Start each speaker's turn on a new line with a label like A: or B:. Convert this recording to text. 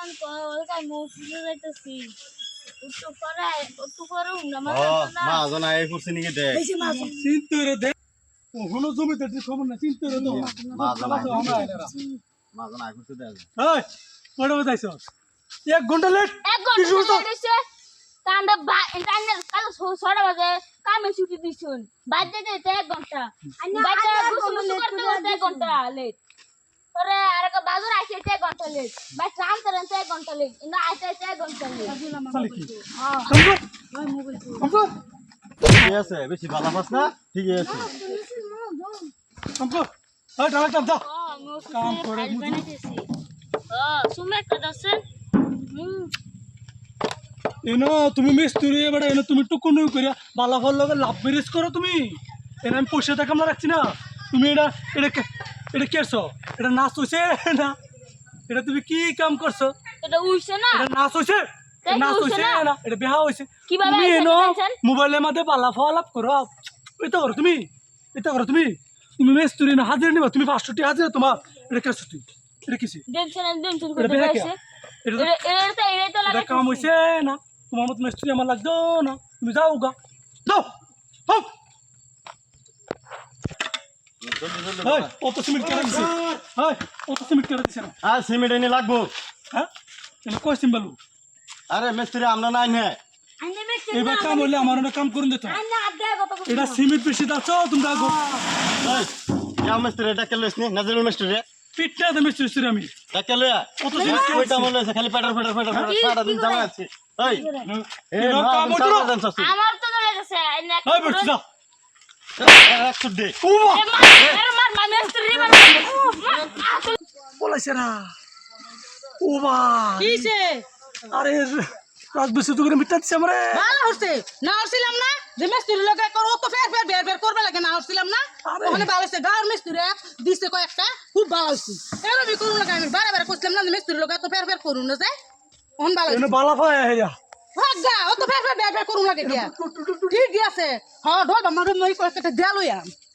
A: কান কলকাই মসজিদে যাইতেছি একটু পরে না
B: মা জন আই করছে নাকি দেখ
C: চিন্তা রে দেখ ওহনো জমিতে তুই খবর না চিন্তা রে তো
B: মা জন আই
C: আমরা
B: করছে দেখ
C: এই পড়ে বতাইছ 1 ঘন্টা লেট
A: এক ঘন্টা লেট হইছে কান্দা কান্দা কাল 6টা বাজে কামে ছুটি দিছুন বাজে যেতে 1 ঘন্টা বাজে গোসল করতে করতে 1 ঘন্টা লেট পরে আরেক বাজার আইছে 1 ঘন্টা লেট বাই ট্রাম করেন 1 ঘন্টা লেট ইনা আইতে 1 ঘন্টা লেট
C: চলে কি
A: হ্যাঁ
C: কম্পো
B: ঠিক আছে বেশি ভালো পাস না ঠিক আছে
C: কম্পো এই ডাক্তার দাও
A: কাম করে বানাইতেছি সুমে কাদাছেন
C: এনো তুমি মিস্ত্রি এবারে এনো তুমি টুকুন করিয়া বালাফল লগে লাভ ম্যারেজ করো তুমি এনে আমি পয়সা টাকা আমরা রাখছি না তুমি এটা কেছো এটা নাচ হইছে না এটা তুমি কি কাম করছো
A: এটা উইছে না
C: এটা নাচ হইছে নাচ হইছে না এটা বিয়া হইছে
A: কিভাবে
C: তুমি এনো
A: হইছে
C: মোবাইলের মধ্যে বালাফল আপ করো এটা করো তুমি তুমি মিস্ত্রি না হাজির নিবা তুমি 500 টাকা হাজির তোমার এটা কেছো তুই এটা কিছে
A: টেনশন
C: এটা
A: করতে
C: বিয়া
A: পারছে
C: এটা
A: এটা
C: এটা কাম হইছে না তোমার মত মিস্ত্রি আমার লাগতো না তুমি যাও গা যাও হোক হাই অত সিমেন্ট কেটে দিছে হাই অত সিমেন্ট কেটে দিছে না
B: আর সিমেন্ট এনে লাগবো
C: হ্যাঁ তুমি কই সিম্বালু
B: আরে মিস্ত্রি আমরা নাই না
A: আইনে মেছে
C: এবার কাম হইলে আমার না কাম করুন দিত
A: আইনে আদা কত
C: এটা সিমেন্ট বেশি দাও তোমরা গো
B: এই ইয়া মিস্ত্রি এটা কেলস নি নাজরুল মিস্ত্রি
C: পিটটা দে মিস্ত্রি আমি
B: এটা কেলে
C: অত
B: সিমেন্ট
C: সিমেন্ট
B: কইতা মনে আছে খালি পেটার সারা দিন জামা আছে এই এই
C: এনো কাম হইতো না।
A: আমার তো চলে গেছে আইনে
C: হাই বেটা যা
B: 100 দে
C: ওমা
A: মার মেস্ত্রি মার
C: বলাইছে না ওমা
D: কিছে
C: আরে রাত বেশি তো করে মিটা দিছে আমারে
D: ভালো হচ্ছে না হচ্ছিলাম না যে মিস্ত্রি লোকে করো তো ফের বের করবে লাগে না হচ্ছিলাম না
C: আরে।
D: ওখানে ভালো হচ্ছে গাঁর মিস্ত্রি দিচ্ছে কয়েকটা খুব ভালো হচ্ছে এরকমই করুন লাগে আমি বারে করছিলাম না যে মিস্ত্রি লোকে তো ফের করুন না যায় অন ভালো
C: এনে বালা পায় হেয়া
D: ভাগ গা ও তো ফের বের করুন লাগে দিয়া ঠিক আছে হ্যাঁ ঢোল বামারে মই কয়েকটা দেয়া লইয়া